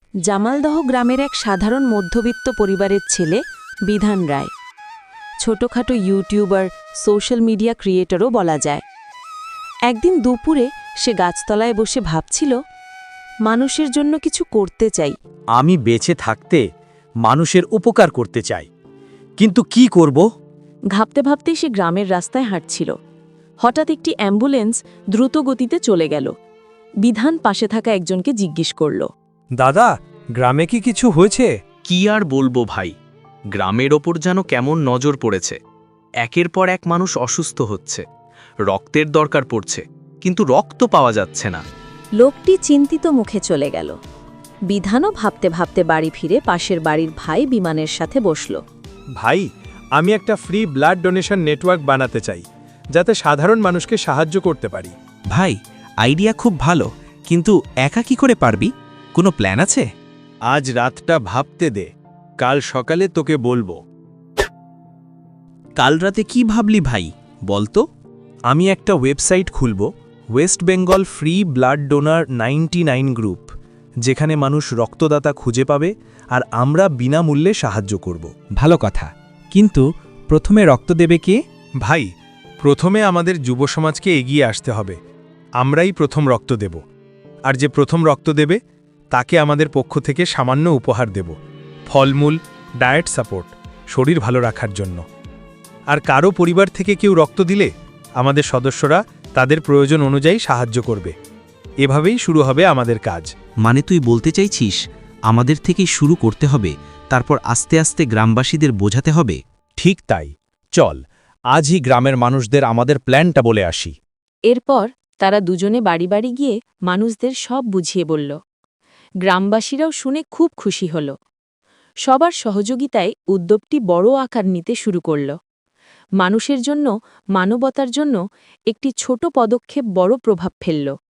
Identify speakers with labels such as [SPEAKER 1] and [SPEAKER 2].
[SPEAKER 1] জামালদহ গ্রামের এক সাধারণ মধ্যবিত্ত পরিবারের ছেলে বিধান রায়। ছোটখাটো ইউটিউবার, সোশ্যাল মিডিয়া ক্রিয়েটরও বলা যায়। একদিন দুপুরে সে গাছতলায় বসে ভাবছিল, মানুষের জন্য কিছু করতে চাই।
[SPEAKER 2] আমি বেঁচে থাকতে মানুষের উপকার করতে চাই, কিন্তু কি করব?
[SPEAKER 1] ভাবতে ভাবতে সে গ্রামের রাস্তায় হাঁটছিল। হঠাৎ একটি অ্যাম্বুলেন্স দ্রুত গতিতে চলে গেল। বিধান পাশে থাকা একজনকে জিজ্ঞেস করল,
[SPEAKER 3] দাদা, গ্রামে কি কিছু হয়েছে?
[SPEAKER 4] কি আর বলবো ভাই, গ্রামের ওপর যেন কেমন নজর পড়েছে। একের পর এক মানুষ অসুস্থ হচ্ছে, রক্তের দরকার পড়ছে, কিন্তু রক্ত পাওয়া যাচ্ছে না।
[SPEAKER 1] লোকটি চিন্তিত মুখে চলে গেল। বিধানও ভাবতে ভাবতে বাড়ি ফিরে পাশের বাড়ির ভাই বিমানের সাথে বসল।
[SPEAKER 3] ভাই, আমি একটা ফ্রি ব্লাড ডোনেশন নেটওয়ার্ক বানাতে চাই, যাতে সাধারণ মানুষকে সাহায্য করতে পারি।
[SPEAKER 5] ভাই, আইডিয়া খুব ভালো, কিন্তু একা কি করে পারবি? কোনো প্ল্যান আছে?
[SPEAKER 3] আজ রাতটা ভাবতে দে, কাল সকালে তোকে বলবো।
[SPEAKER 5] কাল রাতে কি ভাবলি ভাই, বলতো?
[SPEAKER 3] আমি একটা ওয়েবসাইট খুলব, West Bengal free blood donor 99 group, যেখানে মানুষ রক্তদাতা খুঁজে পাবে আর আমরা বিনামূল্যে সাহায্য করব।
[SPEAKER 5] ভালো কথা, কিন্তু প্রথমে রক্ত দেবে কে?
[SPEAKER 3] ভাই, প্রথমে আমাদের যুব সমাজকে এগিয়ে আসতে হবে। আমরাই প্রথম রক্ত দেব, আর যে প্রথম রক্ত দেবে তাকে আমাদের পক্ষ থেকে সামান্য উপহার দেব, ফলমূল, ডায়েট সাপোর্ট, শরীর ভালো রাখার জন্য। আর কারো পরিবার থেকে কেউ রক্ত দিলে আমাদের সদস্যরা তাদের প্রয়োজন অনুযায়ী সাহায্য করবে। এভাবেই শুরু হবে আমাদের কাজ।
[SPEAKER 5] মানে তুই বলতে চাইছিস আমাদের থেকেই শুরু করতে হবে, তারপর আস্তে আস্তে গ্রামবাসীদের বোঝাতে হবে?
[SPEAKER 2] ঠিক তাই, চল আজই গ্রামের মানুষদের আমাদের প্ল্যানটা বলে আসি।
[SPEAKER 1] এরপর তারা দুজনে বাড়ি বাড়ি গিয়ে মানুষদের সব বুঝিয়ে বলল। গ্রামবাসীরাও শুনে খুব খুশি হল। সবার সহযোগিতায় উদ্যোগটি বড় আকার নিতে শুরু করল। মানুষের জন্য, মানবতার জন্য একটি ছোট পদক্ষেপ বড় প্রভাব ফেলল।